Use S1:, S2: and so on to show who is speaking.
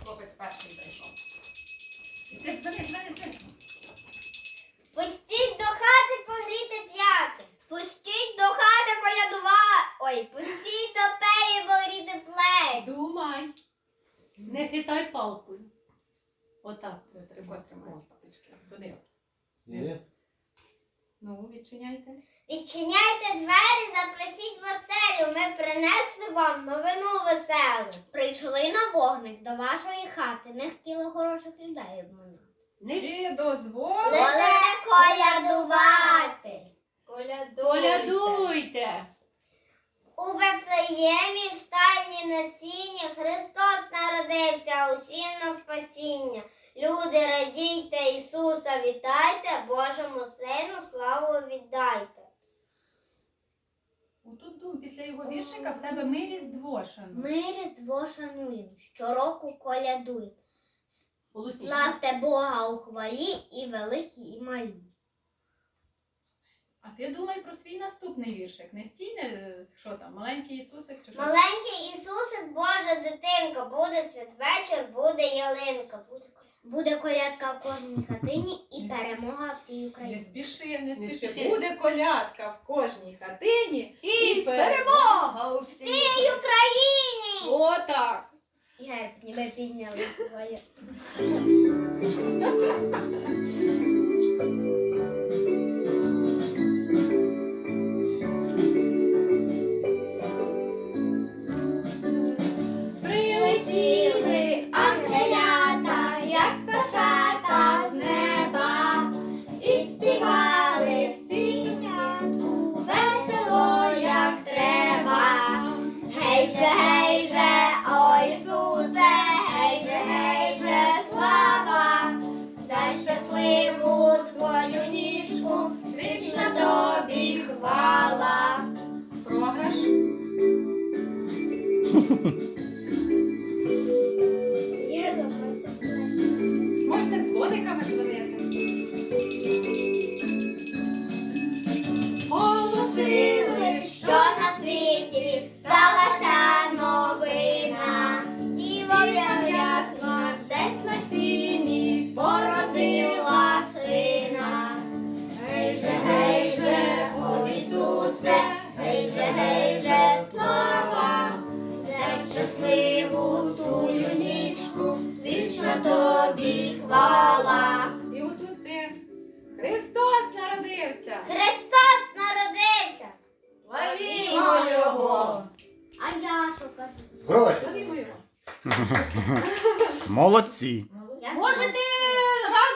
S1: хлопець перший зайшов. І ти дзвони.
S2: Пустіть до хати погріти п'яти. Пустіть до хати пустіть до пері погріти плеч.
S3: Думай. Не хитай палкою. Отак.
S1: Тако тримаєш папочки. Донизу.
S4: Ні.
S3: Ну, відчиняйте.
S2: Відчиняйте двері, запросіть в оселю. Ми принесли вам новину веселу. Прийшли на вогник до вашої хати. Не хотіли хороших людей обманути.
S1: Чи дозволите?
S2: Волите колядувати.
S3: Колядуйте.
S2: У Вифлеємі в стайні на сіні Христос народився усім на спасіння. Люди, радійте, Ісуса вітайте, Божому Сину славу віддайте.
S1: Отут дум, після його віршика в тебе ми Різдво шануємо.
S2: Ми Різдво шануємо, щороку колядуємо.
S3: Голосніше.
S2: Славте Бога у хвалі і великі, і малі.
S1: А ти думай про свій наступний віршик. Не стій, що там, маленький Ісусик чи що?
S2: Маленький Ісусик, Божа дитинка, буде святвечір, буде ялинка. Буде колядка в кожній хатині і перемога в цій
S1: Не
S2: Україні.
S1: спіши.
S3: Не спіши.
S1: Буде колядка в кожній хатині
S3: І перемога у
S2: В
S3: всій.
S2: цій Україні!
S3: Отак.
S2: Герб ніби підняли своє. Прилетіли ангелята, як пташата з неба, і співали всі дитятку весело, як треба. Гей же, о Ісусе, гей же, слава, за щасливу твою нічку, вічна тобі хвала.
S1: програш. Можете дзвониками дзвонити.
S2: Оголосили, що на світі сталася новина. Діва ясна десь на сіні породила сина. Гей же, о Ісусе, гей же, слава, за щасливу тую нічку, вічна тобі хвала.
S1: І отут ти. Христос народився.
S2: Христос народився!
S1: Славімо Його.
S2: А я що кажу?
S4: Гроші.
S1: Славімо Його.
S5: Молодці.
S2: Я
S3: Можете